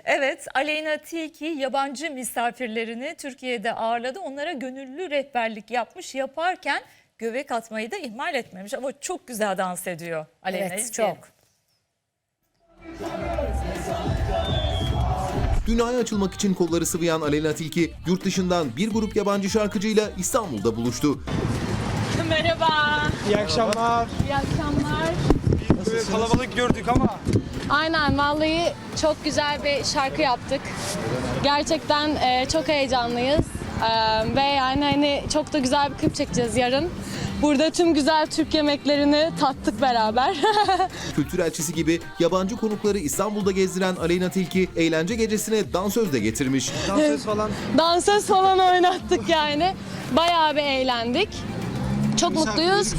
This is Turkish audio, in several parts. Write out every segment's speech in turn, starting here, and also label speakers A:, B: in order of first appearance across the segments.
A: Evet, Aleyna Tilki yabancı misafirlerini Türkiye'de ağırladı. Onlara gönüllü rehberlik yapmış. Yaparken göbek atmayı da ihmal etmemiş. Ama çok güzel dans ediyor Aleyna.
B: Evet, çok.
C: Dünyaya açılmak için kolları sıvayan Aleyna Tilki, yurt dışından bir grup yabancı şarkıcıyla İstanbul'da buluştu.
D: Merhaba.
E: İyi akşamlar.
D: İyi akşamlar.
E: Böyle kalabalık gördük ama.
D: Aynen vallahi çok güzel bir şarkı yaptık. Gerçekten çok heyecanlıyız. Ve yani hani çok da güzel bir klip çekeceğiz yarın. Burada tüm güzel Türk yemeklerini tattık beraber.
C: Kültür elçisi gibi yabancı konukları İstanbul'da gezdiren Aleyna Tilki, eğlence gecesine dansöz de getirmiş.
E: Dansöz falan.
D: Dansöz falan oynattık yani. Bayağı bir eğlendik. Çok mutluyuz.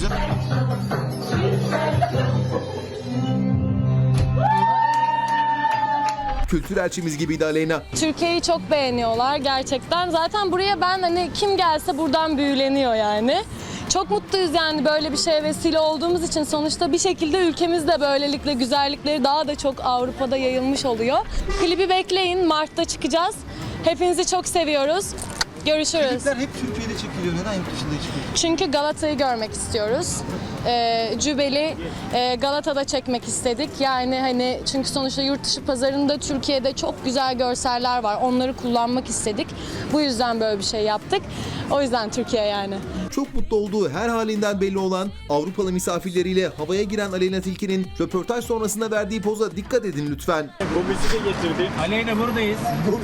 C: Kültür elçimiz gibiydi Aleyna.
D: Türkiye'yi çok beğeniyorlar gerçekten. Zaten buraya ben hani kim gelse buradan büyüleniyor yani. Çok mutluyuz yani böyle bir şeye vesile olduğumuz için. Sonuçta bir şekilde ülkemizde böylelikle güzellikleri daha da çok Avrupa'da yayılmış oluyor. Klibi bekleyin, Mart'ta çıkacağız. Hepinizi çok seviyoruz. Görüşürüz.
F: Klipler hep Türkiye'de çekiliyor. Neden yurt dışında çıkıyor?
D: Çünkü Galata'yı görmek istiyoruz. Cübel'i Galata'da çekmek istedik. Yani hani çünkü sonuçta yurt dışı pazarında Türkiye'de çok güzel görseller var. Onları kullanmak istedik. Bu yüzden böyle bir şey yaptık. O yüzden Türkiye yani.
C: Çok mutlu olduğu her halinden belli olan Avrupalı misafirleriyle havaya giren Aleyna Tilki'nin röportaj sonrasında verdiği poza dikkat edin lütfen.
E: Bu müziği getirdi. Aleyna buradayız.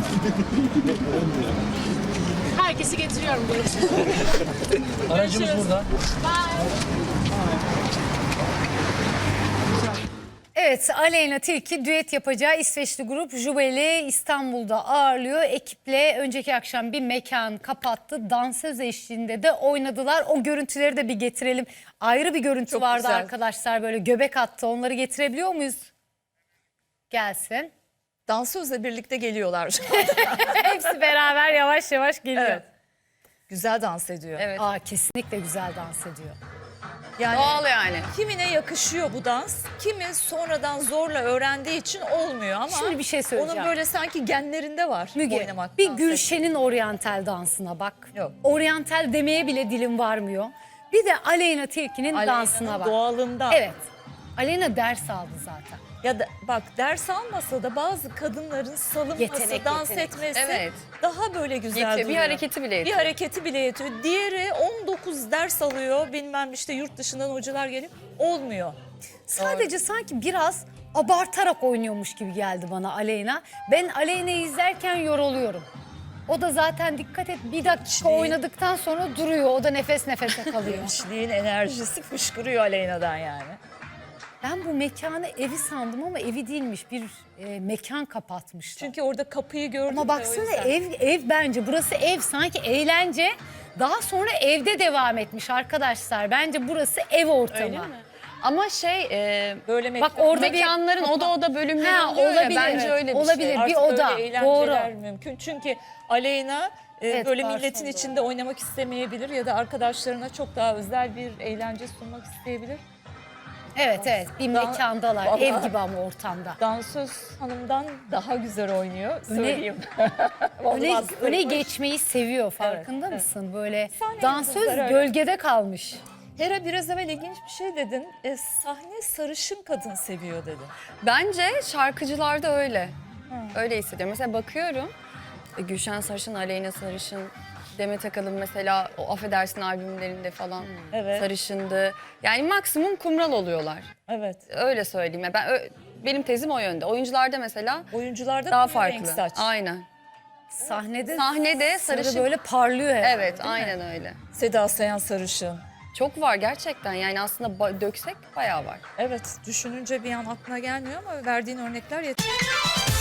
D: Herkesi getiriyorum.
E: Aracımız burada.
B: Evet, Aleyna Tilki düet yapacağı İsveçli grup Jubel'i İstanbul'da ağırlıyor. Ekiple önceki akşam bir mekan kapattı. Dansöz eşliğinde de oynadılar. O görüntüleri de bir getirelim. Ayrı bir görüntü
A: Çok
B: vardı
A: güzel.
B: arkadaşlar, böyle göbek attı. Onları getirebiliyor muyuz? Gelsin.
A: Dansözle birlikte geliyorlar.
B: Hepsi beraber yavaş yavaş geliyor.
A: Evet. Güzel dans ediyor.
G: Evet.
B: Aa, kesinlikle güzel dans ediyor.
A: Yani
G: Doğal yani.
A: kimine yakışıyor bu dans, kimi sonradan zorla öğrendiği için olmuyor ama
B: Şimdi bir şey söyleyeceğim.
A: onun böyle sanki genlerinde var
B: Müge,
A: oynamak.
B: bir
A: dans
B: Gülşen'in oryantal dansına bak.
A: Yok.
B: Oryantal demeye bile dilim varmıyor. Bir de Aleyna Tilki'nin
A: Aleyna'nın
B: dansına bak.
A: doğalından.
B: Evet. Aleyna ders aldı zaten.
A: Ya da bak ders almasa da bazı kadınların salınması,
B: Yetenek,
A: dans
B: yetenek.
A: etmesi
G: Evet.
A: daha böyle güzel
G: Yetiyor. Bir
A: duruyor.
G: hareketi bile
A: Bir
G: yetiyor.
A: hareketi bile yetiyor. Diğeri 19 ders alıyor. Bilmem işte yurt dışından hocalar gelip olmuyor.
B: Sadece sanki biraz abartarak oynuyormuş gibi geldi bana Aleyna. Ben Aleyna'yı izlerken yoruluyorum. O da zaten dikkat et, bir dakika oynadıktan sonra duruyor. O da nefes nefese kalıyor.
A: Gençliğin enerjisi fışkırıyor Aleyna'dan yani.
B: Ben bu mekanı evi sandım ama evi değilmiş. Bir mekan kapatmışlar.
A: Çünkü orada kapıyı gördüm.
B: Ama
A: de o
B: baksana
A: yüzden.
B: ev bence burası ev, sanki eğlence daha sonra evde devam etmiş arkadaşlar. Bence burası ev ortamı.
A: Öyle mi?
G: Ama
A: Böyle
B: Bak orada bir
G: mekanların oda bölümleri
B: Ha,
G: oluyor ya,
B: olabilir.
G: bence öyle bir
B: Olabilir.
G: şey.
B: Bir
A: Artık
B: oda,
A: öyle eğlenceler
B: doğru.
A: mümkün. Çünkü Aleyna
B: Evet,
A: böyle
B: garson
A: milletin
B: da
A: içinde oynamak istemeyebilir ya da arkadaşlarına çok daha özel bir eğlence sunmak isteyebilir.
B: Evet bir mekandalar.
A: Vallahi-
B: Ev gibi ama ortamda.
A: Dansöz hanımdan daha güzel oynuyor söyleyeyim.
B: Öne,
A: Olmaz.
B: öne geçmeyi seviyor, farkında
A: evet.
B: mısın? Böyle
A: Sahne
B: dansöz
A: yıldızları öyle.
B: gölgede kalmış.
A: Hera biraz evvel ilginç bir şey dedin. Sahne sarışın kadın seviyor dedin.
G: Bence şarkıcılarda öyle. Öyle hissediyorum. Mesela bakıyorum Gülşen Sarışın, Aleyna Sarışın, Demet Akalın mesela o Affedersin albümlerinde falan
A: Evet.
G: sarışındı. Yani maksimum kumral oluyorlar.
A: Evet.
G: Öyle söyleyeyim. Ya benim tezim o yönde. Oyuncularda mesela
A: Oyuncularda
G: daha
A: koyu renk
G: farklı.
A: saç.
G: Aynen.
B: Sarı
G: Sahnede sarışın.
B: böyle parlıyor herhalde,
G: Evet,
B: değil mi?
G: aynen öyle.
A: Seda Sayan sarışın.
G: Çok var gerçekten. Yani aslında döksek bayağı var.
A: Evet, düşününce bir an aklına gelmiyor ama verdiğin örnekler yeter.